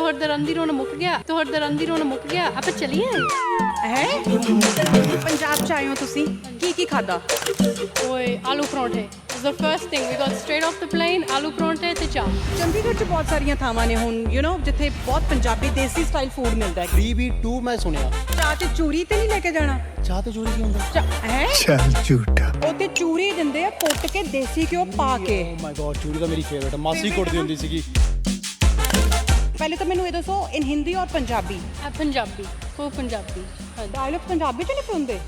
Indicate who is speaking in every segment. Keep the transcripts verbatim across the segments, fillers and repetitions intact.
Speaker 1: ਤੁਹਾਡਾ ਰੰਦੀ ਰੋਣਾ ਮੁੱਕ ਗਿਆ ਤੁਹਾਡਾ ਰੰਦੀ ਰੋਣਾ ਮੁੱਕ ਗਿਆ ਆਪਾਂ ਚਲੀਏ
Speaker 2: ਹੈ ਪੰਜਾਬ ਚ ਆਏ ਹੋ ਤੁਸੀਂ ਕੀ ਕੀ ਖਾਦਾ
Speaker 1: ਓਏ ਆਲੂ ਪਰੌਂਠੇ is the first thing we got straight off the plane ਆਲੂ ਪਰੌਂਠੇ ਤੇ ਚਾਹ
Speaker 2: ਚੰਡੀਗੜ੍ਹ ਚ ਬਹੁਤ ਸਾਰੀਆਂ ਥਾਵਾਂ ਨੇ ਹੁਣ ਯੂ نو ਜਿੱਥੇ ਬਹੁਤ ਪੰਜਾਬੀ ਦੇਸੀ ਸਟਾਈਲ ਫੂਡ ਮਿਲਦਾ ਹੈ
Speaker 3: ਥ੍ਰੀ ਬੀ ਟੂ ਮੈਂ ਸੁਣਿਆ
Speaker 2: ਚਾਹ ਚ ਚੂਰੀ ਤੇ ਨਹੀਂ ਲੈ ਕੇ ਜਾਣਾ
Speaker 3: ਚਾਹ ਤੇ ਚੋਰੀ ਕੀ ਹੁੰਦਾ
Speaker 2: ਹੈ
Speaker 4: ਚੱਲ ਝੂਠਾ
Speaker 2: ਉਹ ਤੇ ਚੂਰੀ ਦਿੰਦੇ ਆ ਕੁੱਟ ਕੇ ਦੇਸੀ ਘਿਓ ਪਾ ਕੇ
Speaker 3: ਓ ਮਾਈ ਗॉड ਚੋਰੀ ਤਾਂ ਮੇਰੀ ਫੇਵਰਟ ਮਾਸੀ ਕੁੱਟਦੀ ਹੁੰਦੀ ਸੀਗੀ
Speaker 2: ਪਹਿਲੇ ਤਾਂ ਮੈਨੂੰ ਇਹ ਦੱਸੋ ਇਨ ਹਿੰਦੀ ਔਰ ਪੰਜਾਬੀ
Speaker 1: ਆ ਪੰਜਾਬੀ ਉਹ ਪੰਜਾਬੀ ਹਾਂਜੀ
Speaker 2: ਡਾਇਲੌਗ ਪੰਜਾਬੀ ਚ ਲਿਖੇ ਹੁੰਦੇ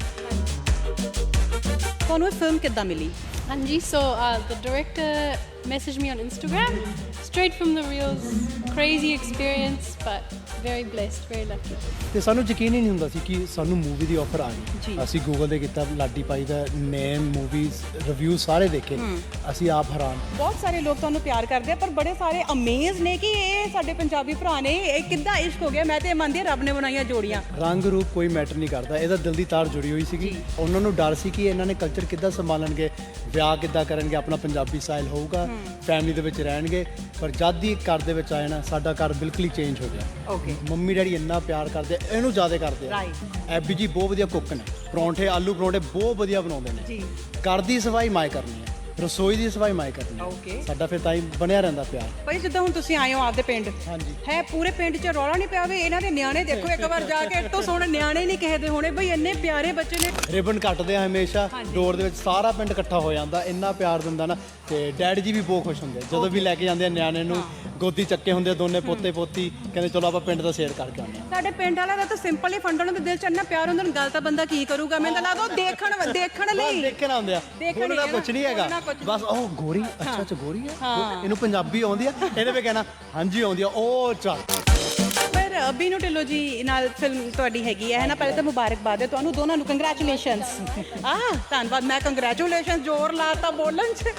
Speaker 2: ਤੁਹਾਨੂੰ ਇਹ ਫਿਲਮ ਕਿੱਦਾਂ ਮਿਲੀ
Speaker 1: ਹਾਂਜੀ so uh, the director messaged me on Instagram straight from the reels crazy experience but very blessed very lucky
Speaker 3: ਤੇ ਸਾਨੂੰ ਯਕੀਨ ਹੀ ਨਹੀਂ ਹੁੰਦਾ ਸੀ ਕਿ ਸਾਨੂੰ ਮੂਵੀ ਦੀ ਆਫਰ ਆ
Speaker 2: ਜੀ।
Speaker 3: ਗਈ ਅਸੀਂ ਗੂਗਲ ਤੇ ਕੀਤਾ ਲਾਡੀ ਪਾਈ ਦਾ ਨੇਮ ਮੂਵੀਜ਼ ਰਿਵਿਊ ਸਾਰੇ ਦੇਖੇ ਅਸੀਂ ਆਪ ਹੈਰਾਨ
Speaker 2: ਬਹੁਤ ਸਾਰੇ ਲੋਕ ਤੁਹਾਨੂੰ ਪਿਆਰ ਕਰਦੇ ਆ ਪਰ ਬੜੇ ਸਾਰੇ ਅਮੇਜ਼ ਨੇ ਕਿ ਇਹ ਸਾਡੇ ਪੰਜਾਬੀ ਭਰਾ ਨੇ ਇਹ ਕਿੱਦਾਂ ਇਸ਼ਕ ਹੋ ਗਿਆ ਮੈਂ ਤੇ ਮੰਨਦੀ ਹਾਂ ਰੱਬ ਨੇ ਬਣਾਈਆਂ ਜੋੜੀਆਂ
Speaker 3: ਰੰਗ ਰੂਪ ਕੋਈ ਮੈਟਰ ਨਹੀਂ ਕਰਦਾ ਇਹਦਾ ਦਿਲ ਦੀ ਤਾਰ ਜੁੜੀ ਹੋਈ ਸੀਗੀ ਉਹਨਾਂ ਨੂੰ ਡਰ ਸੀ ਕਿ ਇਹਨਾਂ ਨੇ ਕਲਚਰ ਕਿੱਦਾਂ ਸੰਭਾਲਣਗੇ ਵਿਆਹ ਕਿੱਦਾਂ ਕਰਨਗੇ ਆਪਣਾ ਪੰਜਾਬੀ ਸਟਾਈਲ ਹੋਊਗਾ ਫੈਮਿਲੀ ਦੇ ਵਿੱਚ ਰਹਿਣਗੇ ਪਰ ਜਦ ਹੀ ਘਰ ਦੇ ਵਿੱਚ ਆਏ ਨਾ ਸਾਡਾ ਘਰ ਬਿਲਕੁਲ ਹੀ ਚੇਂਜ ਹੋ ਗਿਆ
Speaker 2: ਓਕੇ
Speaker 3: ਮੰਮੀ ਡੈਡੀ ਇੰਨਾ ਪਿਆਰ ਕਰਦੇ ਆ, ਇਹਨੂੰ ਜ਼ਿਆਦਾ ਕਰਦੇ ਆ
Speaker 2: ਰਾਈਟ
Speaker 3: ਐਬੀ ਜੀ ਬਹੁਤ ਵਧੀਆ ਕੁੱਕ ਨੇ ਪਰੌਂਠੇ ਆਲੂ ਪਰੌਂਠੇ ਬਹੁਤ ਵਧੀਆ ਬਣਾਉਂਦੇ ਨੇ
Speaker 2: ਜੀ
Speaker 3: ਘਰ ਦੀ ਸਫਾਈ ਮਾਏ ਕਰਨੀ ਹੈ ਰਸੋਈ ਦੀ ਸਫਾਈ ਮਾਏ ਕਰਨੀ ਹੈ
Speaker 2: ਓਕੇ
Speaker 3: ਸਾਡਾ ਫਿਰ ਤਾਂ ਹੀ ਬਣਿਆ ਰਹਿੰਦਾ ਪਿਆਰ
Speaker 2: ਭਾਈ ਜਿੱਦਾਂ ਹੁਣ ਤੁਸੀਂ ਆਏ ਹੋ ਆਪਦੇ ਪਿੰਡ
Speaker 3: ਹਾਂਜੀ
Speaker 2: ਹੈ ਪੂਰੇ ਪਿੰਡ 'ਚ ਰੌਲਾ ਨਹੀਂ ਪਿਆ ਵੀ ਇਹਨਾਂ ਦੇ ਨਿਆਣੇ ਦੇਖੋ ਇੱਕ ਵਾਰ ਜਾ ਕੇ ਇੱਟੋ ਸੋਹਣੇ ਨਿਆਣੇ ਨਹੀਂ ਕਿਸੇ ਦੇ ਹੋਣੇ ਬਈ ਇੰਨੇ ਪਿਆਰੇ ਬੱਚੇ ਨੇ
Speaker 3: ਰਿਬਨ ਕੱਟਦੇ ਆ ਹਮੇਸ਼ਾ ਡੋਰ ਦੇ ਵਿੱਚ ਸਾਰਾ ਪਿੰਡ ਇਕੱਠਾ ਹੋ ਜਾਂਦਾ ਇੰਨਾ ਪਿਆਰ ਦਿੰਦਾ ਨਾ ਤੇ ਡੈਡੀ ਜੀ ਵੀ ਬਹੁਤ ਖੁਸ਼ ਹੁੰਦੇ ਜਦੋਂ ਵੀ ਲੈ ਕੇ ਜਾਂਦੇ ਆ ਨਿਆਣੇ ਨੂੰ ਗੋਦੀ ਚੱਕੇ ਹੁੰਦੇ ਦੋਨੇ ਪੋਤੇ ਪੋਤੀ ਕਹਿੰਦੇ ਚਲੋ ਆਪਾਂ ਪਿੰਡ ਦਾ ਸੇਰ ਕਰਕੇ ਆਉਂਦੇ ਆ
Speaker 2: ਸਾਡੇ ਪਿੰਡ ਵਾਲਾ ਦਾ ਤਾਂ ਸਿੰਪਲ ਹੀ ਫੰਡ ਉਹਨਾਂ ਦੇ ਦਿਲ 'ਚ ਇੰਨਾ ਪਿਆਰ ਹੁੰਦਾ ਗੱਲ ਤਾਂ ਬੰਦਾ ਕੀ ਕਰੂਗਾ ਮੈਨੂੰ ਤਾਂ ਲੱਗਦਾ ਉਹ ਦੇਖਣ ਦੇਖਣ ਲਈ
Speaker 3: ਦੇਖਣ ਆਉਂਦੇ ਆ
Speaker 2: ਦੇਖਣ
Speaker 3: ਬੋਲਣਾ
Speaker 2: ਹੀ
Speaker 3: ਕੁਛ ਨਹੀਂ ਹੈਗਾ
Speaker 2: ਬੋਲਣਾ ਕੁਛ
Speaker 3: ਬਸ ਉਹ ਗੋਰੀ ਅੱਛਾ ਅੱਛਾ ਗੋਰੀ ਹੈ ਇਹਨੂੰ ਪੰਜਾਬੀ ਆਉਂਦੀ ਆ ਇਹਨੇ ਵੀ ਕਹਿਣਾ ਹਾਂਜੀ ਆਉਂਦੀ ਆ ਉਹ ਚੱਲ
Speaker 2: ਪਰ ਬੀਨੂ ਢਿੱਲੋਂ ਜੀ ਨਾਲ ਫਿਲਮ ਤੁਹਾਡੀ ਹੈਗੀ ਹੈ ਨਾ ਪਹਿਲੇ ਤਾਂ ਮੁਬਾਰਕਬਾਦ ਹੈ ਤੁਹਾਨੂੰ ਦੋਨਾਂ ਨੂੰ ਕੰਗ੍ਰੈਚੁਲੇਸ਼ਨਸ ਆ ਧੰਨਵਾਦ ਮੈਂ ਕੰਗ੍ਰੈਚੁਲੇਸ਼ਨ ਜ਼ੋਰ ਲਾਤਾ ਬੋਲਣ 'ਚ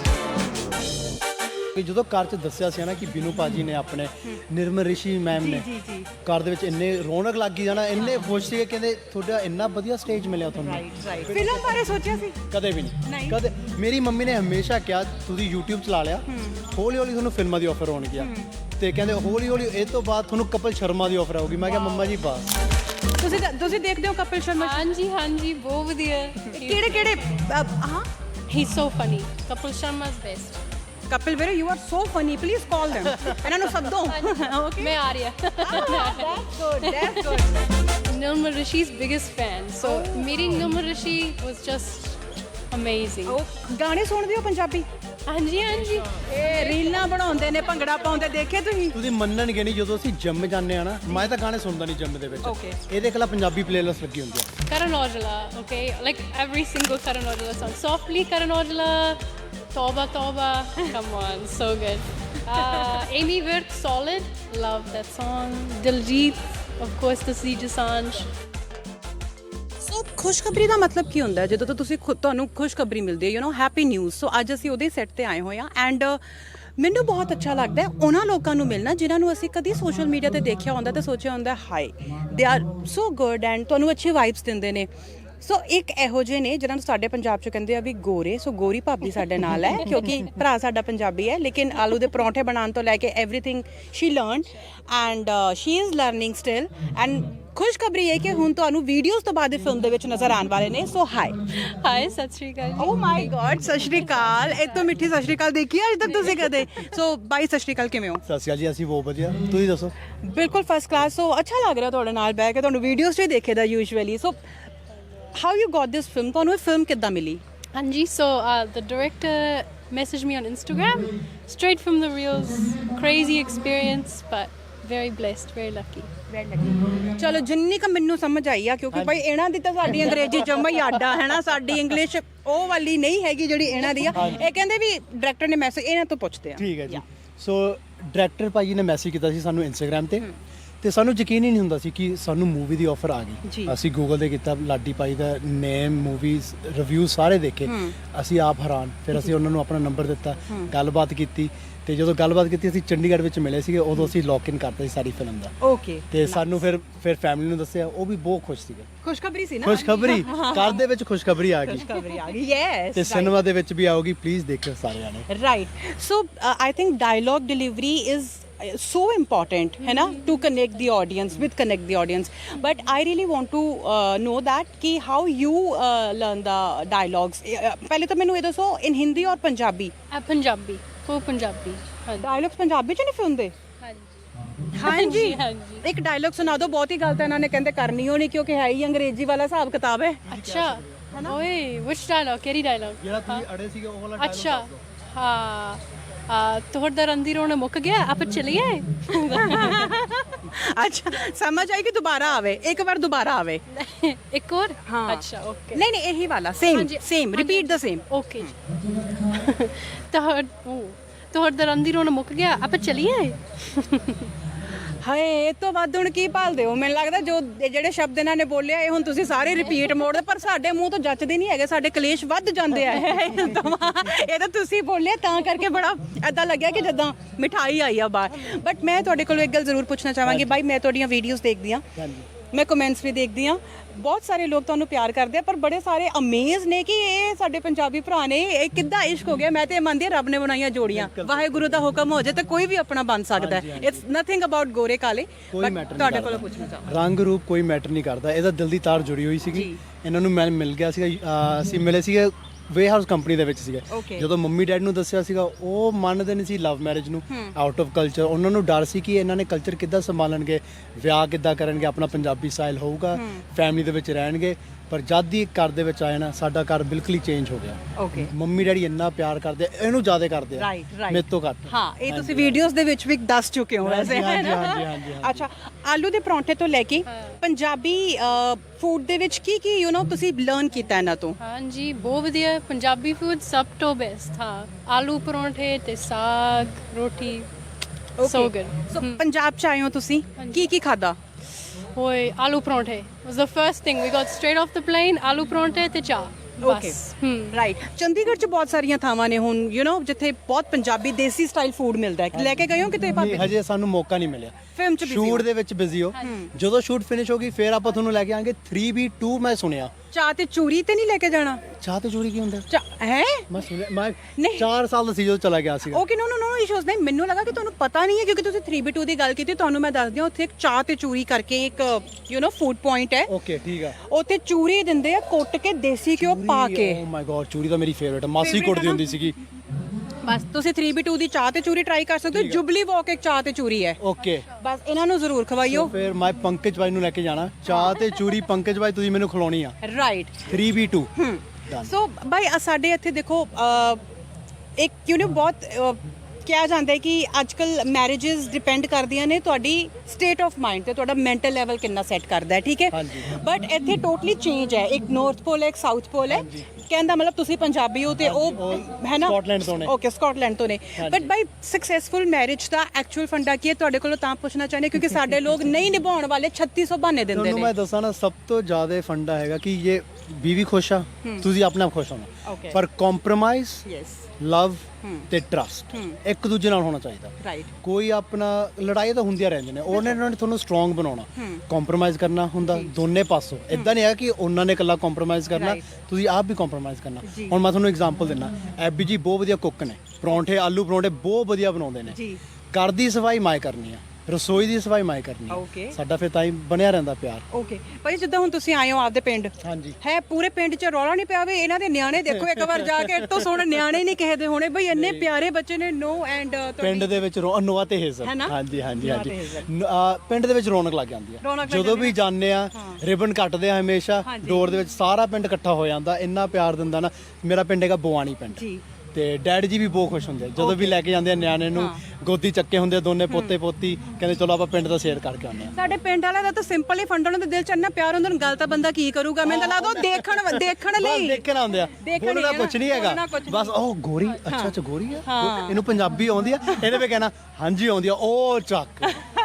Speaker 3: ਕਿ ਜਦੋਂ ਘਰ 'ਚ ਦੱਸਿਆ ਸੀ ਨਾ ਕਿ ਬੀਨੂ ਪਾਜੀ ਨੇ ਆਪਣੇ ਨਿਰਮਲ ਰਿਸ਼ੀ ਮੈਮ ਨੇ
Speaker 2: ਜੀ ਜੀ
Speaker 3: ਘਰ ਦੇ ਵਿੱਚ ਇੰਨੇ ਰੌਣਕ ਲੱਗ ਗਈ ਜਾਣਾ ਇੰਨੇ ਖੁਸ਼ ਸੀਗੇ ਕਹਿੰਦੇ ਤੁਹਾਡਾ ਇੰਨਾ ਵਧੀਆ ਸਟੇਜ ਮਿਲਿਆ ਤੁਹਾਨੂੰ
Speaker 2: ਰਾਈਟ ਰਾਈਟ ਫਿਲਮ ਬਾਰੇ ਸੋਚਿਆ ਸੀ
Speaker 3: ਕਦੇ ਵੀ ਨਹੀਂ
Speaker 2: ਨਹੀਂ।
Speaker 3: ਕਦੇ ਮੇਰੀ ਮੰਮੀ ਨੇ ਹਮੇਸ਼ਾ ਕਿਹਾ ਤੁਸੀਂ YouTube ਚਲਾ ਲਿਆ ਹੌਲੀ ਹੌਲੀ ਤੁਹਾਨੂੰ ਫਿਲਮਾਂ ਦੀ ਆਫਰ ਹੋਣਗੀਆਂ ਤੇ ਕਹਿੰਦੇ ਹੌਲੀ ਹੌਲੀ ਇਹ ਤੋਂ ਬਾਅਦ ਤੁਹਾਨੂੰ ਕਪਲ ਸ਼ਰਮਾ ਦੀ ਆਫਰ ਆਊਗੀ ਮੈਂ ਕਿਹਾ ਮੰਮਾ ਜੀ ਬਸ
Speaker 2: ਤੁਸੀਂ ਤੁਸੀਂ ਦੇਖਦੇ ਹੋ ਕਪਿਲ ਸ਼ਰਮਾ
Speaker 1: ਹਾਂਜੀ ਹਾਂਜੀ ਬਹੁਤ ਵਧੀਆ
Speaker 2: ਕਿਹੜੇ ਕਿਹੜੇ ਹਾਂ
Speaker 1: he's so funny Kapil Sharma is best
Speaker 2: Kapil ਵੀਰੇ you are so funny please call them ਇਹਨਾਂ ਨੂੰ ਸੱਦੋ ਓਕੇ
Speaker 1: ਮੈਂ ਆ ਰਹੀ ਹਾਂ
Speaker 2: that's good that's good
Speaker 1: Nirmal Rishi's biggest fan so meeting Nirmal Rishi was just amazing
Speaker 2: ਉਹ ਗਾਣੇ ਸੁਣਦੇ ਹੋ ਪੰਜਾਬੀ
Speaker 1: ਹਾਂਜੀ ਹਾਂਜੀ
Speaker 2: ਇਹ ਰੀਲਾਂ ਬਣਾਉਂਦੇ ਨੇ ਭੰਗੜਾ ਪਾਉਂਦੇ ਦੇਖੇ ਤੁਸੀਂ
Speaker 3: ਤੁਸੀਂ ਮੰਨਣਗੇ ਨਹੀਂ ਜਦੋਂ ਅਸੀਂ ਜਿਮ ਜਾਂਦੇ ਆ ਨਾ ਮੈਂ ਤਾਂ ਗਾਣੇ ਸੁਣਦਾ ਨਹੀਂ ਜਿਮ ਦੇ ਵਿੱਚ
Speaker 2: Okay.
Speaker 3: ਇਹਦੇ ਕੋਲ ਪੰਜਾਬੀ ਪਲੇਲਿਸਟ ਲੱਗੀ ਹੁੰਦੀ ਆ
Speaker 1: Karan Aujla okay like every single Karan Aujla song softly Karan Aujla Tauba Tauba come on so good uh, Amy Wirth solid love that song Diljit of course Tasneem Dosanjh
Speaker 2: ਸੋ ਖੁਸ਼ਖਬਰੀ ਦਾ ਮਤਲਬ ਕੀ ਹੁੰਦਾ ਹੈ ਜਦੋਂ ਤੋਂ ਤੁਸੀਂ ਖੁਦ ਤੁਹਾਨੂੰ ਖੁਸ਼ਖਬਰੀ ਮਿਲਦੀ ਹੈ you know happy news so ਅੱਜ ਅਸੀਂ ਉਹਦੇ ਸੈੱਟ ਤੇ ਆਏ ਹੋਏ ਆ ਐਂਡ ਮੈਨੂੰ ਬਹੁਤ ਅੱਛਾ ਲੱਗਦਾ ਹੈ ਉਹਨਾਂ ਲੋਕਾਂ ਨੂੰ ਮਿਲਣਾ ਜਿਨ੍ਹਾਂ ਨੂੰ ਅਸੀਂ ਕਦੀ ਸੋਸ਼ਲ ਮੀਡੀਆ ਤੇ ਦੇਖਿਆ ਹੁੰਦਾ ਤੇ ਸੋਚਿਆ ਹੁੰਦਾ high they are so good and ਤੁਹਾਨੂੰ ਅੱਛੇ ਵਾਈਬਸ ਦਿੰਦੇ ਨੇ ਸੋ ਇੱਕ ਇਹੋ ਜਿਹੇ ਨੇ ਜਿਹਨਾਂ ਨੂੰ ਸਾਡੇ ਪੰਜਾਬ 'ਚ ਕਹਿੰਦੇ ਆ ਵੀ ਗੋਰੇ ਸੋ ਗੋਰੀ ਭਾਬੀ ਸਾਡੇ ਨਾਲ ਹੈ ਕਿਉਂਕਿ ਭਰਾ ਸਾਡਾ ਪੰਜਾਬੀ ਹੈ ਲੇਕਿਨ ਆਲੂ ਦੇ ਪਰੌਂਠੇ ਬਣਾਉਣ ਤੋਂ ਲੈ ਕੇ everything she learned and she is learning still and ਖੁਸ਼ਖਬਰੀ ਇਹ ਕਿ ਹੁਣ ਤੁਹਾਨੂੰ ਵੀਡੀਓਜ਼ ਤੋਂ ਬਾਅਦ ਫਿਲਮ ਦੇ ਵਿੱਚ ਨਜ਼ਰ ਆਉਣ ਵਾਲੇ ਨੇ ਸੋ ਹਾਈ
Speaker 1: ਹਾਈ ਸਤਿ ਸ਼੍ਰੀ ਅਕਾਲ
Speaker 2: ਓ ਮਾਈ ਗॉड ਸਤਿ ਸ਼੍ਰੀ ਅਕਾਲ ਇਹ ਤੋਂ ਮਿੱਠੀ ਸਤਿ ਸ਼੍ਰੀ ਅਕਾਲ ਦੇਖੀ ਅੱਜ ਤੱਕ ਤੁਸੀਂ ਕਦੇ ਸੋ ਬਾਈ ਸਤਿ ਸ਼੍ਰੀ ਅਕਾਲ ਕਿਵੇਂ ਹੋ
Speaker 3: ਸਤਿ ਸ਼੍ਰੀ ਅਕਾਲ ਜੀ ਅਸੀਂ ਬਹੁਤ ਵਧੀਆ ਤੁਸੀਂ ਦੱਸੋ
Speaker 2: ਬਿਲਕੁਲ ਫਸਟ ਕਲਾਸ ਸੋ ਅੱਛਾ ਲੱਗ ਰਿਹਾ ਤੁਹਾਡੇ ਨਾਲ ਬਹਿ ਕੇ ਤੁਹਾਨੂੰ ਵੀਡੀਓਜ਼ 'ਚ ਹੀ ਦੇਖੇਦਾ usually so how you got this film ਤੁਹਾਨੂੰ ਇਹ ਫਿਲਮ ਕਿੱਦਾਂ ਮਿਲੀ
Speaker 1: ਹਾਂਜੀ so uh, the director messaged me on Instagram straight from the reels crazy experience but very blessed very lucky
Speaker 2: ਚਲੋ ਜਿੰਨੀ ਕ ਮੈਨੂੰ ਸਮਝ ਆਈ ਆ ਕਿਉਂਕਿ ਭਾਈ ਇਹਨਾਂ ਦੀ ਤਾਂ ਸਾਡੀ ਅੰਗਰੇਜ਼ੀ ਜੰਮਾ ਹੀ ਆਡਾ ਹੈ ਨਾ ਸਾਡੀ ਇੰਗਲਿਸ਼ ਉਹ ਵਾਲੀ ਨਹੀਂ ਹੈਗੀ ਜਿਹੜੀ ਇਹਨਾਂ ਦੀ ਆ ਇਹ ਕਹਿੰਦੇ ਵੀ ਡਾਇਰੈਕਟਰ ਨੇ ਮੈਸੇਜ ਇਹਨਾਂ ਤੋਂ ਪੁੱਛਦੇ ਆ
Speaker 3: ਠੀਕ ਹੈ ਜੀ ਸੋ ਡਾਇਰੈਕਟਰ ਭਾਜੀ ਨੇ ਮੈਸੇਜ ਕੀਤਾ ਸੀ ਸਾਨੂੰ ਇੰਸਟਾਗ੍ਰam ਤੇ ਤੇ ਸਾਨੂੰ ਯਕੀਨ ਹੀ ਨਹੀਂ ਹੁੰਦਾ ਸੀ ਕਿ ਸਾਨੂੰ ਮੂਵੀ ਦੀ ਆਫਰ ਆ ਗਈ ਅਸੀਂ ਗੂਗਲ ਤੇ ਕੀਤਾ ਲਾਡੀ ਪਾਈ ਦਾ ਨੇਮ ਮੂਵੀਜ਼ ਰਿਵਿਊ ਸਾਰੇ ਦੇਖੇ ਅਸੀਂ ਆਪ ਹੈਰਾਨ ਫਿਰ ਅਸੀਂ ਉਹਨਾਂ ਨੂੰ ਆਪਣਾ ਨੰਬਰ ਦਿੱਤਾ ਗੱਲਬਾਤ ਕੀਤੀ ਤੇ ਜਦੋਂ ਗੱਲਬਾਤ ਕੀਤੀ ਅਸੀਂ ਚੰਡੀਗੜ੍ਹ ਵਿੱਚ ਮਿਲੇ ਸੀਗੇ ਉਦੋਂ ਅਸੀਂ ਲੌਕ ਇਨ ਕਰਤਾ ਸੀ ਸਾਰੀ ਫਿਲਮ ਦਾ
Speaker 2: ਓਕੇ
Speaker 3: ਤੇ ਸਾਨੂੰ ਫਿਰ ਫਿਰ ਫੈਮਿਲੀ ਨੂੰ ਦੱਸਿਆ ਉਹ ਵੀ ਬਹੁਤ ਖੁਸ਼ ਸੀਗੇ
Speaker 2: ਖੁਸ਼ਖਬਰੀ ਸੀ ਨਾ
Speaker 3: ਖੁਸ਼ਖਬਰੀ ਘਰ ਦੇ ਵਿੱਚ ਖੁਸ਼ਖਬਰੀ ਆ ਗਈ
Speaker 2: ਖੁਸ਼ਖਬਰੀ ਆ ਗਈ ਯੈਸ
Speaker 3: ਤੇ ਸਿਨੇਮਾ ਦੇ ਵਿੱਚ ਵੀ ਆਊਗੀ ਪਲੀਜ਼ ਦੇਖਿਓ ਸਾਰੇ ਜਾਣੇ
Speaker 2: right so I think dialogue delivery is so important है ना to connect the audience with connect the audience but I really want to uh, know that कि how you uh, learn the dialogues uh, पहले तो मैंने ये दसो in Hindi और पंजाबी
Speaker 1: ਆ ਪੰਜਾਬੀ ਉਹ ਪੰਜਾਬੀ ਹਾਂਜੀ
Speaker 2: dialogues ਪੰਜਾਬੀ ਚ ਨਹੀਂ fi ਹੁੰਦੇ
Speaker 1: ਹਾਂਜੀ
Speaker 2: ਹਾਂਜੀ
Speaker 1: ਹਾਂਜੀ
Speaker 2: ਇੱਕ ਡਾਇਲੌਗ ਸੁਣਾ ਦਿਓ ਬਹੁਤ ਹੀ ਗਲਤ ਇਹਨਾਂ ਨੇ ਕਹਿੰਦੇ ਕਰਨੀ ਹੋਣੀ ਕਿਉਂਕਿ ਹੈ ਹੀ ਅੰਗਰੇਜ਼ੀ ਵਾਲਾ ਹਿਸਾਬ ਕਿਤਾਬ ਹੈ
Speaker 1: ਅੱਛਾ ਓਏ which dialogue ਕਿਹੜੀ dialogue
Speaker 3: ਜਿਹੜਾ ਤੁਸੀਂ ਅੜੇ ਸੀਗੇ ਉਹ ਵਾਲਾ
Speaker 1: ਅੱਛਾ ਹਾਂ ਆ ਤੁਹਾਡਾ ਰੰਦੀ ਰੋਣਾ ਮੁੱਕ ਗਿਆ ਆਪਾਂ ਚਲੀਏ
Speaker 2: ਅੱਛਾ ਸਮਝ ਆਈ ਕਿ ਦੁਬਾਰਾ ਆਵੇ ਇੱਕ ਵਾਰ ਦੁਬਾਰਾ ਆਵੇ
Speaker 1: ਇੱਕ ਹੋਰ
Speaker 2: ਹਾਂ।
Speaker 1: ਅੱਛਾ ਓਕੇ
Speaker 2: ਨਹੀਂ ਨਹੀਂ ਇਹੀ ਵਾਲਾ ਸੇਮ
Speaker 1: ਹਾਂਜੀ,
Speaker 2: same repeat the same
Speaker 1: okay ਤੁਹਾਡ ਤੁਹਾਡਾ ਰੰਦੀ ਰੋਣਾ ਮੁੱਕ ਗਿਆ ਆਪਾਂ ਚਲੀਏ
Speaker 2: ਹਾਏ ਇਹ ਤੋਂ ਵੱਧ ਹੁਣ ਕੀ ਭਾਲਦੇ ਹੋ ਮੈਨੂੰ ਲੱਗਦਾ ਜੋ ਇਹ ਜਿਹੜੇ ਸ਼ਬਦ ਇਹਨਾਂ ਨੇ ਬੋਲਿਆ ਇਹ ਹੁਣ ਤੁਸੀਂ ਸਾਰੇ ਰਿਪੀਟ ਮੋੜਦੇ ਪਰ ਸਾਡੇ ਮੂੰਹ ਤੋਂ ਜੱਚਦੇ ਨਹੀਂ ਹੈਗੇ ਸਾਡੇ ਕਲੇਸ਼ ਵੱਧ ਜਾਂਦੇ ਆ ਇਹ ਤਾਂ ਤੁਸੀਂ ਬੋਲਿਆ ਤਾਂ ਕਰਕੇ ਬੜਾ ਐਦਾਂ ਲੱਗਿਆ ਕਿ ਜਦਾਂ ਮਿਠਾਈ ਆਈ ਆ ਬਾਹਰ ਬਟ ਮੈਂ ਤੁਹਾਡੇ ਕੋਲੋਂ ਇੱਕ ਗੱਲ ਜ਼ਰੂਰ ਪੁੱਛਣਾ ਚਾਹਾਂਗੀ ਬਾਈ ਮੈਂ ਤੁਹਾਡੀਆਂ ਵੀਡੀਓਜ਼ ਦੇਖਦੀ ਆ ਮੈਂ ਕਮੈਂਟਸ ਵੀ ਦੇਖਦੀ ਆ ਬਹੁਤ ਸਾਰੇ ਲੋਕ ਤੁਹਾਨੂੰ ਪਿਆਰ ਕਰਦੇ ਆ ਪਰ ਬੜੇ ਸਾਰੇ ਅਮੇਜ਼ ਨੇ ਕਿ ਇਹ ਸਾਡੇ ਪੰਜਾਬੀ ਭਰਾ ਨੇ ਇਹ ਕਿੱਦਾਂ ਇਸ਼ਕ ਹੋ ਗਿਆ ਮੈਂ ਤੇ ਇਹ ਮੰਨਦੀ ਆ ਰੱਬ ਨੇ ਬਣਾਈਆਂ ਜੋੜੀਆਂ ਵਾਹਿਗੁਰੂ ਦਾ ਹੁਕਮ ਹੋ ਜਾਏ ਤਾਂ ਕੋਈ ਵੀ ਆਪਣਾ ਬਣ ਸਕਦਾ ਹੈ ਇਟਸ ਨਥਿੰਗ ਅਬਾਊਟ ਗੋਰੇ ਕਾਲੇ
Speaker 3: ਕੋਈ ਮੈਟਰ
Speaker 2: ਤੁਹਾਡੇ ਕੋਲੋਂ ਪੁੱਛਣਾ ਚਾਹਾਂ
Speaker 3: ਰੰਗ ਰੂਪ ਕੋਈ ਮੈਟਰ ਨਹੀਂ ਕਰਦਾ ਇਹਦਾ ਦਿਲ ਦੀ ਤਾਰ ਜੁੜੀ ਹੋਈ ਸੀਗੀ ਇਹਨਾਂ ਨੂੰ ਮੈਂ ਮਿਲ ਗਿਆ ਸੀਗਾ ਅਹ ਅਸੀਂ ਮਿਲੇ ਸੀਗੇ ਵੇ ਹਾਊਸ ਕੰਪਨੀ ਦੇ ਵਿੱਚ ਸੀਗੇ ਜਦੋਂ ਮੰਮੀ ਡੈਡੀ ਨੂੰ ਦੱਸਿਆ ਸੀਗਾ ਉਹ ਮੰਨਦੇ ਨਹੀਂ ਸੀ ਲਵ ਮੈਰਿਜ ਨੂੰ ਆਊਟ ਆਫ ਕਲਚਰ ਉਹਨਾਂ ਨੂੰ ਡਰ ਸੀ ਕਿ ਇਹਨਾਂ ਨੇ ਕਲਚਰ ਕਿੱਦਾਂ ਸੰਭਾਲਣਗੇ ਵਿਆਹ ਕਿੱਦਾਂ ਕਰਨਗੇ ਆਪਣਾ ਪੰਜਾਬੀ ਸਟਾਈਲ ਹੋਊਗਾ ਫੈਮਿਲੀ ਦੇ ਵਿੱਚ ਰਹਿਣਗੇ ਪਰ ਜਦ ਹੀ ਘਰ ਦੇ ਵਿੱਚ ਆਏ ਨਾ ਸਾਡਾ ਘਰ ਬਿਲਕੁਲ ਹੀ ਚੇਂਜ ਹੋ ਗਿਆ
Speaker 2: ਓਕੇ
Speaker 3: ਮੰਮੀ ਡੈਡੀ ਇੰਨਾ ਪਿਆਰ ਕਰਦੇ ਆ, ਇਹਨੂੰ ਜ਼ਿਆਦਾ ਕਰਦੇ ਆ
Speaker 2: ਰਾਈਟ ਰਾਈਟ
Speaker 3: ਮੇਰੇ ਤੋਂ ਘੱਟ
Speaker 2: ਹਾਂ ਇਹ ਤੁਸੀਂ ਵੀਡੀਓਜ਼ ਦੇ ਵਿੱਚ ਵੀ ਦੱਸ ਚੁੱਕੇ ਹੋ ਵੈਸੇ
Speaker 3: ਹਾਂਜੀ ਹਾਂਜੀ ਹਾਂਜੀ
Speaker 2: ਅੱਛਾ ਆਲੂ ਦੇ ਪਰੌਂਠੇ ਤੋਂ ਲੈ ਕੇ ਪੰਜਾਬੀ ਫੂਡ ਦੇ ਵਿੱਚ ਕੀ ਕੀ ਯੂ نو ਤੁਸੀਂ ਲਰਨ ਕੀਤਾ ਇਹਨਾਂ ਤੋਂ
Speaker 1: ਹਾਂਜੀ ਬਹੁਤ ਵਧੀਆ ਪੰਜਾਬੀ ਫੂਡ ਸਭ ਤੋਂ ਬੈਸਟ ਹਾਂ ਆਲੂ ਪਰੌਂਠੇ ਤੇ ਸਾਗ ਰੋਟੀ ਸੋ ਗੁੱਡ
Speaker 2: ਸੋ ਪੰਜਾਬ ਚ ਆਏ ਹੋ ਤੁਸੀਂ ਕੀ ਕੀ ਖਾਦਾ
Speaker 1: ਓਏ ਆਲੂ ਪਰੌਂਠੇ was the first thing we got straight off the plane ਆਲੂ ਪਰੌਂਠੇ ਤੇ ਚਾਹ
Speaker 2: ਓਕੇ ਰਾਈਟ ਚੰਡੀਗੜ੍ਹ ਚ ਬਹੁਤ ਸਾਰੀਆਂ ਥਾਵਾਂ ਨੇ ਹੁਣ ਯੂ نو ਜਿੱਥੇ ਬਹੁਤ ਪੰਜਾਬੀ ਦੇਸੀ ਸਟਾਈਲ ਫੂਡ ਮਿਲਦਾ ਹੈ ਲੈ ਕੇ ਗਏ ਹੋ ਕਿਤੇ
Speaker 3: ਨਹੀਂ ਹਜੇ ਸਾਨੂੰ ਮੌਕਾ ਨਹੀਂ ਮਿਲਿਆ
Speaker 2: ਫਿਲਮ ਚ
Speaker 3: ਸ਼ੂਟ ਦੇ ਵਿੱਚ ਬਿਜ਼ੀ ਹੋ ਜਦੋਂ ਸ਼ੂਟ ਫਿਨਿਸ਼ ਹੋ ਗਈ ਫਿਰ ਆਪਾਂ ਤੁਹਾਨੂੰ ਲੈ ਕੇ ਆਂਗੇ ਥ੍ਰੀ ਬੀ ਟੂ ਮੈਂ ਸੁਣਿਆ
Speaker 2: ਚਾਹ ਤੇ ਚੂਰੀ ਤੇ ਨਹੀਂ ਲੈ ਕੇ ਜਾਣਾ
Speaker 3: ਚਾਹ ਤੇ ਚੋਰੀ ਕੀ ਹੁੰਦਾ
Speaker 2: ਹੈ
Speaker 3: ਮੈਂ ਸੁਣਿਆ ਮੈਂ
Speaker 2: ਨਹੀਂ।
Speaker 3: ਚਾਰ ਸਾਲ ਦਾ ਸੀ ਜਦੋਂ ਚਲਾ ਗਿਆ ਸੀਗਾ
Speaker 2: ਓਕੇ ਨੋ ਨੋ ਨੋ ਇਸ਼ੂਜ਼ ਨਹੀਂ ਮੈਨੂੰ ਲੱਗਾ ਕਿ ਤੁਹਾਨੂੰ ਪਤਾ ਨਹੀਂ ਹੈ ਕਿਉਂਕਿ ਤੁਸੀਂ ਥ੍ਰੀ ਬੀ ਟੂ ਦੀ ਗੱਲ ਕੀਤੀ ਤੁਹਾਨੂੰ ਮੈਂ ਦੱਸਦੀ ਹਾਂ ਉੱਥੇ ਇੱਕ ਚਾਹ ਤੇ ਚੂਰੀ ਕਰਕੇ ਇੱਕ ਯੂ نو ਫੂਡ ਪੁਆਇੰਟ ਹੈ
Speaker 3: ਓਕੇ ਠੀਕ ਆ
Speaker 2: ਉੱਥੇ ਚੂਰੀ ਦਿੰਦੇ ਆ ਕੁੱਟ ਕੇ ਦੇਸੀ ਘਿਓ ਪਾ ਕੇ
Speaker 3: ਓ ਮਾਈ ਗॉड ਚੂਰੀ ਤਾਂ ਮੇਰੀ ਫੇਵਰੇਟ ਹੈ ਮਾਸੀ ਕੁੱਟਦੀ ਹੁੰਦੀ ਸੀਗੀ
Speaker 2: ਬਸ ਤੁਸੀਂ ਥ੍ਰੀ ਬੀ ਟੂ ਦੀ ਚਾਹ ਤੇ ਚੂਰੀ ਟਰਾਈ ਕਰ ਸਕਦੇ ਹੋ ਜੁਬਲੀ ਵਾਕ ਇੱਕ ਚਾਹ ਤੇ ਚੂਰੀ ਹੈ
Speaker 3: ਓਕੇ
Speaker 2: ਬਸ ਇਹਨਾਂ ਨੂੰ ਜ਼ਰੂਰ ਖਵਾਈਓ
Speaker 3: ਫਿਰ ਮੈਂ ਪੰਕਜ ਬਾਈ ਨੂੰ ਲੈ ਕੇ ਜਾਣਾ ਚਾਹ ਤੇ ਚੂਰੀ ਪੰਕਜ ਬਾਈ ਤੁਸੀਂ ਮੈਨੂੰ ਖਿਲਾਉਣੀ ਆ
Speaker 2: right
Speaker 3: three B two
Speaker 2: so ਬਾਈ ਅ ਸਾਡੇ ਇੱਥੇ ਦੇਖੋ ਅ, ਇੱਕ ਯੂ نو ਬਹੁਤ ਅ, ਕਿਹਾ ਜਾਂਦਾ ਹੈ ਕਿ ਅੱਜ ਕੱਲ ਮੈਰਿਜਸ ਡਿਪੈਂਡ ਕਰਦੀਆਂ ਨੇ ਤੁਹਾਡੀ ਸਟੇਟ ਆਫ ਮਾਈਂਡ ਤੇ ਤੁਹਾਡਾ ਮੈਂਟਲ ਲੈਵਲ ਕਿੰਨਾ ਸੈੱਟ ਕਰਦਾ ਹੈ ਠੀਕ ਹੈ ਬਟ ਇੱਥੇ ਟੋਟਲੀ ਚੇਂਜ ਹੈ ਇੱਕ ਨਾਰਥ ਪੋਲ ਹੈ ਇੱਕ ਸਾਊਥ ਪੋਲ ਹੈ ਕਹਿੰਦਾ ਮਤਲਬ ਤੁਸੀਂ ਪੰਜਾਬੀ ਹੋ ਤੇ ਉਹ ਹੈ ਨਾ
Speaker 3: ਸਕਾਟਲੈਂਡ ਤੋਂ ਨੇ
Speaker 2: ਓਕੇ ਸਕਾਟਲੈਂਡ ਤੋਂ ਨੇ ਬਟ ਬਾਈ ਸਕਸੈਸਫੁਲ ਮੈਰਿਜ ਦਾ ਐਕਚੁਅਲ ਫੰਡਾ ਕੀ ਹੈ ਤੁਹਾਡੇ ਕੋਲੋਂ ਤਾਂ ਪੁੱਛਣਾ ਚਾਹੁੰਦੇ ਕਿਉਂਕਿ ਸਾਡੇ ਲੋਕ ਨਹੀਂ ਨਿਭਾਉਣ ਵਾਲੇ ਛੱਤੀ ਸੌ ਬਹਾਨੇ ਦਿੰਦੇ
Speaker 3: ਤੁਹਾਨੂੰ
Speaker 2: ਨੇ
Speaker 3: ਮੈਂ ਦੱਸਾਂ ਨਾ ਸਭ ਤੋਂ ਜ਼ਿਆਦਾ ਫੰਡਾ ਹੈਗਾ ਕਿ ਇਹ ਬੀਵੀ ਖੁਸ਼ ਆ ਤੁਸੀਂ ਆਪਣੇ ਆਪ ਖੁਸ਼ ਹੋਣਾ
Speaker 2: Okay.
Speaker 3: ਪਰ ਕੰਪਰੋਮਾਈਜ਼
Speaker 2: ਯੈਸ
Speaker 3: ਲਵ ਤੇ ਟਰਸਟ ਇੱਕ ਦੂਜੇ ਨਾਲ ਹੋਣਾ ਚਾਹੀਦਾ
Speaker 2: ਰਾਈਟ
Speaker 3: ਕੋਈ ਆਪਣਾ ਲੜਾਈ ਤਾਂ ਹੁੰਦੀਆਂ ਰਹਿੰਦੀਆਂ ਨੇ ਉਹਨੇ ਨੇ ਤੁਹਾਨੂੰ ਸਟਰੋਂਗ ਬਣਾਉਣਾ ਕੰਪਰੋਮਾਈਜ਼ ਕਰਨਾ ਹੁੰਦਾ ਦੋਨੇ ਪਾਸੋਂ ਇਦਾਂ ਨਹੀਂ ਹੈ ਕਿ ਉਹਨਾਂ ਨੇ ਇਕੱਲਾ ਕੰਪਰੋਮਾਈਜ਼ ਕਰਨਾ ਤੁਸੀਂ ਆਪ ਵੀ ਕੰਪਰੋਮਾਈਜ਼ ਕਰਨਾ ਹੁਣ ਮੈਂ ਤੁਹਾਨੂੰ ਐਗਜ਼ਾਮਪਲ ਦਿੰਦਾ ਐਬੀ ਜੀ ਬਹੁਤ ਵਧੀਆ ਕੁੱਕ ਨੇ ਪਰੌਂਠੇ ਆਲੂ ਪਰੌਂਠੇ ਬਹੁਤ ਵਧੀਆ ਬਣਾਉਂਦੇ ਨੇ
Speaker 2: ਜੀ
Speaker 3: ਘਰ ਦੀ ਸਫਾਈ ਮੈਂ ਕਰਨੀ ਆ ਰਸੋਈ ਦੀ ਸਫਾਈ ਮੈਂ ਕਰਨੀ
Speaker 2: Okay.
Speaker 3: ਆ ਸਾਡਾ ਫਿਰ ਤਾਂ ਹੀ ਬਣਿਆ ਰਹਿੰਦਾ ਪਿਆਰ
Speaker 2: ਓਕੇ ਭਾਈ ਜਿੱਦਾਂ ਹੁਣ ਤੁਸੀਂ ਆਏ ਹੋ ਆਪਦੇ ਪਿੰਡ
Speaker 3: ਹਾਂਜੀ
Speaker 2: ਹੈ ਪੂਰੇ ਪਿੰਡ 'ਚ ਰੌਲਾ ਨਹੀਂ ਪਿਆ ਵੇ ਇਹਨਾਂ ਦੇ ਨਿਆਣੇ ਦੇਖੋ ਇੱਕ ਵਾਰ ਜਾ ਕੇ ਤੋਂ ਸੋਹਣੇ ਨਿਆਣੇ ਨਹੀਂ ਕਿਸੇ ਦੇ ਹੋਣੇ ਬਈ ਇੰਨੇ ਪਿਆਰੇ ਬੱਚੇ ਨੇ ਨੋ ਐਂਡ
Speaker 3: ਪਿੰਡ ਦੇ ਵਿੱਚ ਰੋ ਨੋਆ ਤੇ ਹੇਜ਼ਲ
Speaker 2: ਹੈ ਨਾ?
Speaker 3: ਹਾਂਜੀ ਹਾਂਜੀ
Speaker 2: ਨੋਆ
Speaker 3: ਹਾਂਜੀ
Speaker 2: ਤੇ ਹੇਜ਼ਲ।
Speaker 3: ਨ- ਆ, ਪਿੰਡ ਦੇ ਵਿੱਚ ਰੌਣਕ ਲੱਗ ਜਾਂਦੀ ਆ
Speaker 2: ਰੌਣਕ ਲੱਗ
Speaker 3: ਜਦੋਂ ਵੀ ਜਾਂਦੇ ਆ ਰਿਬਨ ਕੱਟਦੇ ਆ ਹਮੇਸ਼ਾ
Speaker 2: ਹਾਂਜੀ।
Speaker 3: ਡੋਰ ਦੇ ਵਿੱਚ ਸਾਰਾ ਪਿੰਡ ਇਕੱਠਾ ਹੋ ਜਾਂਦਾ ਇੰਨਾ ਪਿਆਰ ਦਿੰਦਾ ਨਾ ਮੇਰਾ ਪਿੰਡ ਹੈਗਾ ਬਵਾਨੀ ਪਿੰਡ
Speaker 2: ਜੀ
Speaker 3: ਤੇ ਡੈਡ ਜੀ ਵੀ ਬਹੁਤ ਖੁਸ਼ ਹੁੰਦੇ ਆ ਜਦੋਂ ਵੀ ਲੈ ਕੇ ਜਾਂਦੇ ਆ ਨਿਆਣੇ ਨੂੰ ਗੋਦੀ ਚੱਕੇ ਹੁੰਦੇ ਆ ਦੋਨੇ ਪੋਤੇ ਪੋਤੀ ਕਹਿੰਦੇ ਚਲੋ ਆਪਾਂ ਪਿੰਡ ਦਾ ਸ਼ੇਅਰ ਕਰਕੇ ਆਉਂਦੇ ਆ
Speaker 2: ਸਾਡੇ ਪਿੰਡ ਵਾਲਿਆਂ ਦਾ ਤਾਂ ਸਿੰਪਲ ਹੀ ਫੰਡ ਉਹਨਾਂ ਦੇ ਦਿਲ 'ਚ ਇੰਨਾ ਪਿਆਰ ਹੁੰਦਾ ਗੱਲ ਤਾਂ ਬੰਦਾ ਕੀ ਕਰੂਗਾ ਮੈਨੂੰ ਤਾਂ ਲੱਗਦਾ ਉਹ ਦੇਖਣ ਦੇਖਣ
Speaker 3: ਬਸ
Speaker 2: ਲਈ
Speaker 3: ਦੇਖਣ ਆਉਂਦੇ ਆ
Speaker 2: ਦੇਖਣ
Speaker 3: ਬੋਲਣਾ
Speaker 2: ਹੀ ਆ
Speaker 3: ਕੁਝ ਨਹੀਂ
Speaker 2: ਨਾ,
Speaker 3: ਹੈਗਾ
Speaker 2: ਬੋਲਣਾ ਕੁਛ
Speaker 3: ਬਸ ਉਹ ਗੋਰੀ ਅੱਛਾ ਅੱਛਾ ਗੋਰੀ ਆ ਇਹਨੂੰ ਪੰਜਾਬੀ ਆਉਂਦੀ ਆ ਇਹਦੇ ਵੀ ਕਹਿਣਾ ਹਾਂਜੀ ਆਉਂਦੀ ਆ ਉਹ ਚੱਕ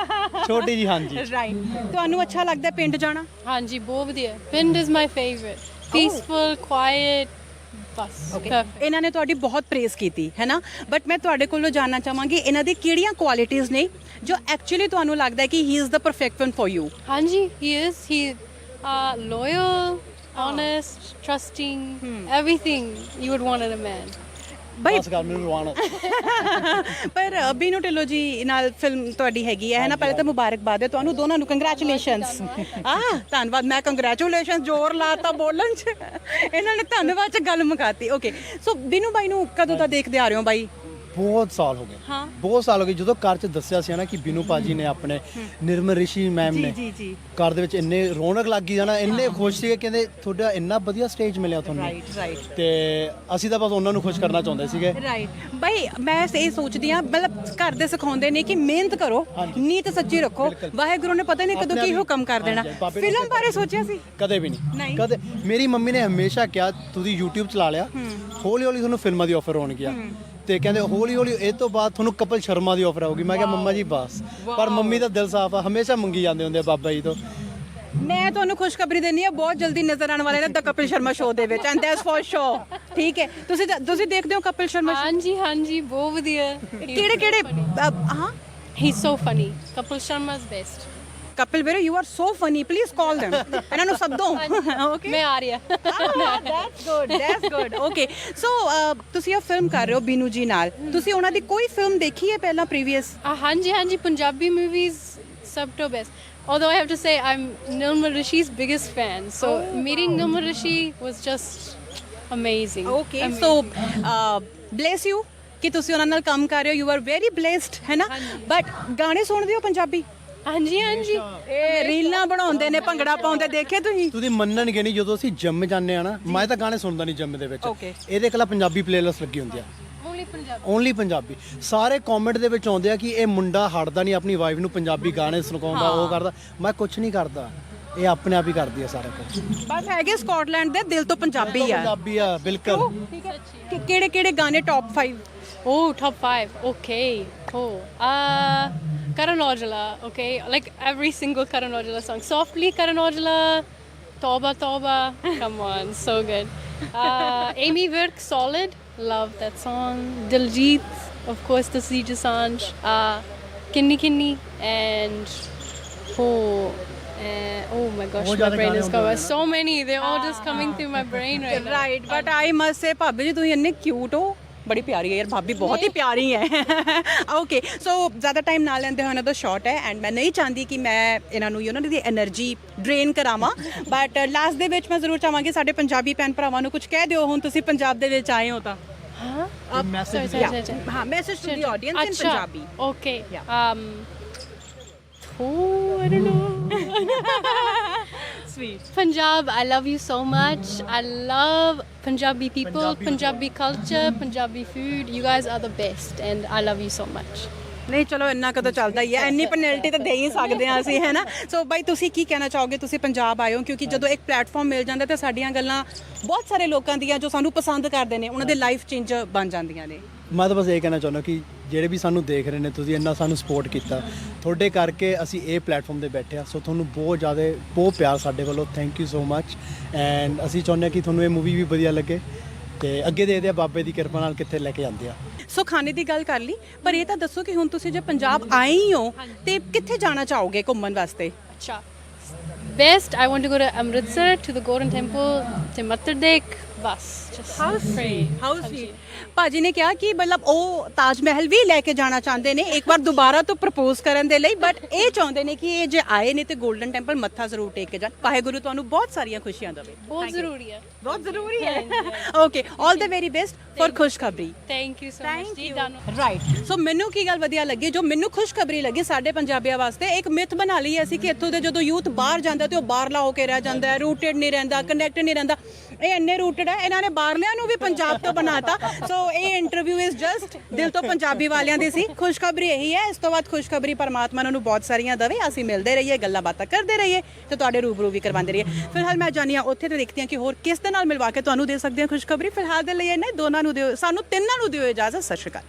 Speaker 3: ਛੋਟੀ ਜੀ ਹਾਂਜੀ
Speaker 2: ਰਾਈਟ ਤੁਹਾਨੂੰ ਅੱਛਾ ਲੱਗਦਾ ਪਿੰਡ ਜਾਣਾ
Speaker 1: ਹਾਂਜੀ ਬਹੁਤ ਵਧੀਆ ਪਿੰਡ is my favourite peaceful quiet ਬਸ perfect.
Speaker 2: ਇਹਨਾਂ ਨੇ ਤੁਹਾਡੀ ਬਹੁਤ ਪ੍ਰੇਜ਼ ਕੀਤੀ ਹੈ ਨਾ ਬਟ ਮੈਂ ਤੁਹਾਡੇ ਕੋਲੋਂ ਜਾਨਣਾ ਚਾਹਾਂਗੀ ਇਹਨਾਂ ਦੀ ਕਿਹੜੀਆਂ ਕੁਆਲਿਟੀਆਂ ਨੇ ਜੋ ਐਕਚੁਅਲੀ ਤੁਹਾਨੂੰ ਲੱਗਦਾ ਹੈ ਕਿ he is the perfect one for you
Speaker 1: ਹਾਂਜੀ he is he uh loyal honest trusting everything you would want in a man
Speaker 2: ਬਈ
Speaker 3: ਬਸ ਗੱਲ ਮੈਨੂੰ ਰਵਾਨਾ
Speaker 2: ਪਰ ਬੀਨੂ ਢਿੱਲੋਂ ਜੀ ਨਾਲ ਫਿਲਮ ਤੁਹਾਡੀ ਹੈਗੀ ਹੈ ਨਾ, ਪਹਿਲੇ ਤਾਂ ਮੁਬਾਰਕਬਾਦ ਹੈ ਤੁਹਾਨੂੰ ਦੋਨਾਂ ਨੂੰ, ਕੰਗ੍ਰੈਚੁਲੇਸ਼ਨਸ। ਆ ਧੰਨਵਾਦ, ਮੈਂ ਕੰਗ੍ਰੈਚੁਲੇਸ਼ਨ ਜ਼ੋਰ ਲਾਤਾ ਬੋਲਣ 'ਚ, ਇਹਨਾਂ ਨੇ ਧੰਨਵਾਦ 'ਚ ਗੱਲ ਮੁਕਾਤੀ। ਓਕੇ, ਸੋ ਬੀਨੂ ਬਾਈ ਨੂੰ ਕਦੋਂ ਦਾ ਦੇਖਦੇ ਆ ਰਹੇ ਹੋ ਬਾਈ?
Speaker 3: ਬਹੁਤ ਸਾਲ ਹੋ ਗਏ,
Speaker 2: ਹਾਂ।
Speaker 3: ਬਹੁਤ ਸਾਲ ਹੋ ਗਏ। ਜਦੋਂ ਘਰ 'ਚ ਦੱਸਿਆ ਸੀ ਨਾ ਕਿ ਬੀਨੂ ਭਾਜੀ ਨੇ ਆਪਣੇ ਨਿਰਮਲ ਰਿਸ਼ੀ ਮੈਮ ਨੇ
Speaker 2: ਜੀ ਜੀ
Speaker 3: ਘਰ ਦੇ ਵਿੱਚ ਇੰਨੇ ਰੌਣਕ ਲੱਗ ਗਈ ਜਾਣਾ, ਇੰਨੇ ਖੁਸ਼ ਸੀਗੇ, ਕਹਿੰਦੇ ਤੁਹਾਡਾ ਇੰਨਾ ਵਧੀਆ ਸਟੇਜ ਮਿਲਿਆ ਤੁਹਾਨੂੰ।
Speaker 2: ਰਾਈਟ ਰਾਈਟ
Speaker 3: ਤੇ ਅਸੀਂ ਤਾਂ ਬਸ ਉਹਨਾਂ ਨੂੰ ਖੁਸ਼ ਕਰਨਾ ਚਾਹੁੰਦੇ ਸੀਗੇ।
Speaker 2: ਰਾਈਟ ਬਾਈ, ਮੈਂ ਇਹ ਸੋਚਦੀ ਆ ਮਤਲਬ ਘਰ ਦੇ ਸਿਖਾਉਂਦੇ ਨੇ ਕਿ ਮਿਹਨਤ ਕਰੋ, ਨੀਤ ਸੱਚੀ ਰੱਖੋ, ਵਾਹਿਗੁਰੂ ਨੇ ਪਤਾ ਨਹੀਂ ਕਦੋਂ ਕੀ ਹੁਕਮ ਕਰ ਦੇਣਾ। ਫਿਲਮ ਬਾਰੇ ਸੋਚਿਆ ਸੀ?
Speaker 3: ਕਦੇ ਵੀ ਨਹੀਂ, ਕਦੇ। ਮੇਰੀ ਮੰਮੀ ਨੇ ਹਮੇਸ਼ਾ ਕਿਹਾ ਤੁਸੀਂ YouTube ਚਲਾ ਲਿਆ, ਹੌਲੀ ਹੌਲੀ ਤੁਹਾਨੂੰ ਫਿਲਮਾਂ ਦੀ ਆਫਰ ਹੋਣਗੀਆਂ, ਤੇ ਕਹਿੰਦੇ ਹੌਲੀ ਹੌਲੀ ਇਹ ਤੋਂ ਬਾਅਦ ਤੁਹਾਨੂੰ ਕਪਿਲ ਸ਼ਰਮਾ ਦੀ ਆਫਰ ਆਊਗੀ। ਮੈਂ ਕਿਹਾ ਮੰਮਾ ਜੀ ਬਸ, ਪਰ ਮੰਮੀ ਦਾ ਦਿਲ ਸਾਫ਼ ਆ, ਹਮੇਸ਼ਾ ਮੰਗੀ ਜਾਂਦੇ ਹੁੰਦੇ ਆ ਬਾਬਾ ਜੀ ਤੋਂ।
Speaker 2: ਮੈਂ ਤੁਹਾਨੂੰ ਖੁਸ਼ਖਬਰੀ ਦੇਣੀ ਆ, ਬਹੁਤ ਜਲਦੀ ਨਜ਼ਰ ਆਉਣ ਵਾਲੇ ਨੇ ਦ ਕਪਿਲ ਸ਼ਰਮਾ ਸ਼ੋਅ ਦੇ ਵਿੱਚ, ਐਂਡ ਦੈਟਸ ਫॉर ਸ਼ੋਰ। ਠੀਕ ਹੈ, ਤੁਸੀਂ ਤੁਸੀਂ ਦੇਖਦੇ ਹੋ ਕਪਿਲ ਸ਼ਰਮਾ show?
Speaker 1: ਹਾਂਜੀ ਹਾਂਜੀ, ਬਹੁਤ ਵਧੀਆ।
Speaker 2: ਕਿਹੜੇ ਕਿਹੜੇ ਅ, ਹਾਂ
Speaker 1: he is so funny. Kapil Sharma is best.
Speaker 2: Kapil ਵੀਰੇ, you are so funny, please call them, ਇਹਨਾਂ ਨੂੰ ਸੱਦੋ। ਓਕੇ,
Speaker 1: ਮੈਂ ਆ ਰਹੀ ਹਾਂ।
Speaker 2: That's good, that's good. Okay, so ਤੁਸੀਂ ਇਹ ਫਿਲਮ ਕਰ ਰਹੇ ਹੋ ਬੀਨੂ ਜੀ ਨਾਲ, ਤੁਸੀਂ ਉਹਨਾਂ ਦੀ ਕੋਈ ਫਿਲਮ ਦੇਖੀ ਹੈ ਪਹਿਲਾਂ ਪ੍ਰੀਵੀਅਸ?
Speaker 1: ਹਾਂਜੀ ਹਾਂਜੀ, ਪੰਜਾਬੀ ਮੂਵੀਜ਼ ਸਭ ਤੋਂ best. Although I have to say I'm Nirmal Rishi's biggest fan, so meeting Nirmal Rishi was just amazing.
Speaker 2: Okay, so bless you ਕਿ ਤੁਸੀਂ ਉਹਨਾਂ ਨਾਲ ਕੰਮ ਕਰ ਰਹੇ ਹੋ, ਯੂ ਆਰ ਵੈਰੀ ਬਲੇਸਡ, ਹੈ ਨਾ? ਬਟ ਗਾਣੇ ਸੁਣਦੇ ਹੋ ਪੰਜਾਬੀ?
Speaker 1: ਹਾਂਜੀ ਹਾਂਜੀ,
Speaker 2: ਇਹ ਰੀਲਾਂ ਬਣਾਉਂਦੇ ਨੇ, ਭੰਗੜਾ ਪਾਉਂਦੇ, ਦੇਖੇ ਤੁਸੀਂ?
Speaker 3: ਤੁਸੀਂ ਮੰਨਣਗੇ ਨਹੀਂ, ਜਦੋਂ ਅਸੀਂ ਜਿਮ ਜਾਂਦੇ ਆ ਨਾ, ਮੈਂ ਤਾਂ ਗਾਣੇ ਸੁਣਦਾ ਨਹੀਂ ਜਿਮ ਦੇ ਵਿੱਚ। ਇਹਦੇ ਇਕੱਲਾ ਪੰਜਾਬੀ ਪਲੇਲਿਸਟ ਲੱਗੀ ਹੁੰਦੀ ਆ,
Speaker 1: only ਪੰਜਾਬੀ,
Speaker 3: ਓਨਲੀ ਪੰਜਾਬੀ। ਸਾਰੇ ਕਮੈਂਟ ਦੇ ਵਿੱਚ ਆਉਂਦੇ ਆ ਕਿ ਇਹ ਮੁੰਡਾ ਹਟਦਾ ਨਹੀਂ ਆਪਣੀ ਵਾਈਫ ਨੂੰ ਪੰਜਾਬੀ ਗਾਣੇ ਸੁਣਾਉਂਦਾ, ਉਹ ਕਰਦਾ। ਮੈਂ ਕੁਝ ਨਹੀਂ ਕਰਦਾ, ਇਹ ਆਪਣੇ ਆਪ ਹੀ ਕਰਦੀ ਆ ਸਾਰਾ ਕੁਝ।
Speaker 2: ਬਸ ਹੈਗੇ ਸਕਾਟਲੈਂਡ ਦੇ, ਦਿਲ ਤੋਂ ਪੰਜਾਬੀ ਆ।
Speaker 3: ਪੰਜਾਬੀ ਆ ਬਿਲਕੁਲ।
Speaker 2: ਕਿ ਕਿਹੜੇ ਕਿਹੜੇ ਗਾਣੇ top five?
Speaker 1: oh top five, okay, oh uh Karan Aujla, okay, like every single Karan Aujla song. Softly Karan Aujla, Tauba Tauba, come on, so good. Uh, Amy Virk, Solid, love that song. Diljit, of course, the Siege Assange, uh, Kinni Kinni, and oh, uh, oh my gosh, my brain is covered. So many, they're all just coming through my brain right now.
Speaker 2: Right, but I must say ਭਾਬੀ ਜੀ ਤੁਸੀਂ ਇੰਨੇ cute ਹੋ, ਬੜੀ ਪਿਆਰੀ ਹੈ ਯਾਰ ਭਾਬੀ, ਬਹੁਤ ਹੀ ਪਿਆਰੀ ਹੈ। ਓਕੇ, ਸੋ ਜ਼ਿਆਦਾ ਟਾਈਮ ਨਾ ਲੈਂਦੇ ਹੋਏ ਇਹਨਾਂ ਦਾ ਸ਼ਾਰਟ ਹੈ, ਐਂਡ ਮੈਂ ਨਹੀਂ ਚਾਹੁੰਦੀ ਕਿ ਮੈਂ ਇਹਨਾਂ ਨੂੰ ਉਹਨਾਂ ਦੀ એનર્ਜੀ ਡਰੇਨ ਕਰਾਵਾਂ, ਬਟ ਲਾਸਟ ਦੇ ਵਿੱਚ ਮੈਂ ਜ਼ਰੂਰ ਚਾਹਾਂਗੀ ਸਾਡੇ ਪੰਜਾਬੀ ਭੈਣ ਭਰਾਵਾਂ ਨੂੰ ਕੁਝ ਕਹਿ ਦਿਓ, ਹੁਣ ਤੁਸੀਂ ਪੰਜਾਬ ਦੇ ਵਿੱਚ ਆਏ ਹੋ ਤਾਂ।
Speaker 1: Huh?
Speaker 3: Message
Speaker 1: Sorry, sorry, sorry.
Speaker 2: ਹਾਂ, message to the audience in
Speaker 1: Acha,
Speaker 2: Punjabi.
Speaker 1: okay.
Speaker 2: Yeah.
Speaker 1: Um, oh, I don't know.
Speaker 2: Sweet.
Speaker 1: Punjab, I love you so much. I love Punjabi people,
Speaker 3: Punjabi
Speaker 1: Punjabi culture, Punjabi food. You guys are the best, and I love you so much.
Speaker 2: ਨਹੀਂ ਚਲੋ ਇੰਨਾ ਕਦੋਂ ਚੱਲਦਾ ਹੀ ਹੈ, ਇੰਨੀ penalty ਤਾਂ ਦੇ ਹੀ ਸਕਦੇ ਹਾਂ ਅਸੀਂ, ਹੈ ਨਾ? ਸੋ ਬਾਈ ਤੁਸੀਂ ਕੀ ਕਹਿਣਾ ਚਾਹੋਗੇ? ਤੁਸੀਂ ਪੰਜਾਬ ਆਏ ਹੋ, ਕਿਉਂਕਿ ਜਦੋਂ ਇੱਕ ਪਲੇਟਫਾਰਮ ਮਿਲ ਜਾਂਦਾ ਤਾਂ ਸਾਡੀਆਂ ਗੱਲਾਂ ਬਹੁਤ ਸਾਰੇ ਲੋਕਾਂ ਦੀਆਂ ਜੋ ਸਾਨੂੰ ਪਸੰਦ ਕਰਦੇ ਨੇ, ਉਹਨਾਂ ਦੇ ਲਾਈਫ ਚੇਂਜ ਬਣ ਜਾਂਦੀਆਂ ਨੇ।
Speaker 3: ਮੈਂ ਤਾਂ ਬਸ ਇਹ ਕਹਿਣਾ ਚਾਹੁੰਦਾ ਕਿ ਜਿਹੜੇ ਵੀ ਸਾਨੂੰ ਦੇਖ ਰਹੇ ਨੇ, ਤੁਸੀਂ ਇੰਨਾ ਸਾਨੂੰ ਸਪੋਰਟ ਕੀਤਾ, ਤੁਹਾਡੇ ਕਰਕੇ ਅਸੀਂ ਇਹ ਪਲੇਟਫਾਰਮ ਤੇ ਬੈਠੇ ਆ। ਸੋ ਤੁਹਾਨੂੰ ਬਹੁਤ ਜ਼ਿਆਦਾ ਬਹੁਤ ਪਿਆਰ ਸਾਡੇ ਵੱਲੋਂ, thank you so much. And ਅਸੀਂ ਚਾਹੁੰਦੇ ਹਾਂ ਕਿ ਤੁਹਾਨੂੰ ਇਹ ਮੂਵੀ ਵੀ ਵਧੀਆ ਲੱਗੇ, ਤੇ ਅੱਗੇ ਦੇਖਦੇ ਆ ਬਾਬੇ ਦੀ ਕਿਰਪਾ ਨਾਲ ਕਿੱਥੇ ਲੈ ਕੇ ਜਾਂਦੇ ਆ।
Speaker 2: ਸੋ ਖਾਣੇ ਦੀ ਗੱਲ ਕਰ ਲਈ, ਪਰ ਇਹ ਤਾਂ ਦੱਸੋ ਕਿ ਹੁਣ ਤੁਸੀਂ ਜੇ ਪੰਜਾਬ ਆਏ ਹੀ ਹੋ ਤੇ ਕਿੱਥੇ ਜਾਣਾ ਚਾਹੋਗੇ ਘੁੰਮਣ ਵਾਸਤੇ?
Speaker 1: Acha. Best, I want to go to Amritsar, to the Golden Temple, to Mathur Dekh. Bus. Just pray.
Speaker 2: How sweet. ਭਾਜੀ ਨੇ ਕਿਹਾ ਕਿ ਮਤਲਬ ਉਹ ਤਾਜ ਮਹਿਲ ਵੀ ਲੈ ਕੇ ਜਾਣਾ ਚਾਹੁੰਦੇ ਨੇ ਇੱਕ ਵਾਰ ਦੁਬਾਰਾ ਤੋਂ ਪ੍ਰਪੋਜ਼ ਕਰਨ ਦੇ ਲਈ, ਬਟ ਇਹ ਚਾਹੁੰਦੇ ਨੇ ਕਿ ਇਹ ਜੇ ਆਏ ਨੇ ਤੇ 골ਡਨ ਟੈਂਪਲ ਮੱਥਾ ਜ਼ਰੂਰ ਟੇਕ ਕੇ ਜਾਣ। ਵਾਹਿਗੁਰੂ ਤੁਹਾਨੂੰ ਬਹੁਤ ਸਾਰੀਆਂ ਖੁਸ਼ੀਆਂ ਦੇਵੇ।
Speaker 1: ਬਹੁਤ ਜ਼ਰੂਰੀ ਹੈ।
Speaker 2: ਬਹੁਤ ਜ਼ਰੂਰੀ ਹੈ। Okay, all the very best for ਖੁਸ਼ਖਬਰੀ।
Speaker 1: Thank you so much ਜੀ, ਤੁਹਾਨੂੰ।
Speaker 2: ਰਾਈਟ, ਸੋ ਮੈਨੂੰ ਕੀ ਗੱਲ ਵਧੀਆ ਲੱਗੀ, ਜੋ ਮੈਨੂੰ ਖੁਸ਼ਖਬਰੀ ਲੱਗੀ ਸਾਡੇ ਪੰਜਾਬੀਆਂ ਵਾਸਤੇ, ਇੱਕ ਮਿਥ ਬਣਾ ਲਈ ਅਸੀਂ ਕਿ ਇੱਥੋਂ ਦੇ ਜਦੋਂ ਯੂਥ ਬਾਹਰ ਜਾਂਦਾ ਤੇ ਉਹ ਬਾਹਰਲਾ ਹੋ ਕੇ ਰਹਿ ਜਾਂਦਾ ਹੈ, ਰੂਟਡ ਨਹੀਂ ਰਹਿੰਦਾ, ਕਨੈਕਟ ਨਹੀਂ ਰਹਿੰਦਾ। ਇਹ ਇੰਨੇ ਰੂਟਡ ਹੈ, ਇਹਨਾਂ ਨੇ ਬਾਹਰਲਿਆਂ ਨੂੰ ਵੀ ਪੰਜਾਬ ਤੋਂ ਬਣਾਤਾ। ਸੋ ਇਹ ਇੰਟਰਵਿਊ ਇਜ਼ ਜਸਟ ਦਿਲ ਤੋਂ ਪੰਜਾਬੀ ਵਾਲਿਆਂ ਦੀ ਸੀ। ਖੁਸ਼ਖਬਰੀ ਇਹੀ ਹੈ, ਇਸ ਤੋਂ ਬਾਅਦ ਖੁਸ਼ਖਬਰੀ ਪਰਮਾਤਮਾ ਨੂੰ ਬਹੁਤ ਸਾਰੀਆਂ ਦੇਵੇ, ਅਸੀਂ ਮਿਲਦੇ ਰਹੀਏ, ਗੱਲਾਂ ਬਾਤਾਂ ਕਰਦੇ ਰਹੀਏ ਤੇ ਤੁਹਾਡੇ ਰੂਬਰੂ ਵੀ ਕਰਵਾਉਂਦੇ ਰਹੀਏ। ਫਿਲਹਾਲ ਮੈਂ ਜਾਣੀ ਹਾਂ ਉੱਥੇ ਤੇ ਦੇਖਦੀ ਹਾਂ ਕਿ ਹੋਰ ਕਿਸ ਦੇ ਨਾਲ ਮਿਲਵਾ ਕੇ ਤੁਹਾਨੂੰ ਦੇ ਸਕਦੇ ਹਾਂ ਖੁਸ਼ਖਬਰੀ। ਫਿਲਹਾਲ ਦੇ ਲਈ ਇਹਨੇ ਦੋਨਾਂ ਨੂੰ ਦਿਓ, ਸਾਨੂੰ ਤਿੰਨਾਂ ਨੂੰ ਦਿਓ ਇਜਾਜ਼ਤ। ਸਤਿ ਸ਼੍ਰੀ ਅਕਾਲ।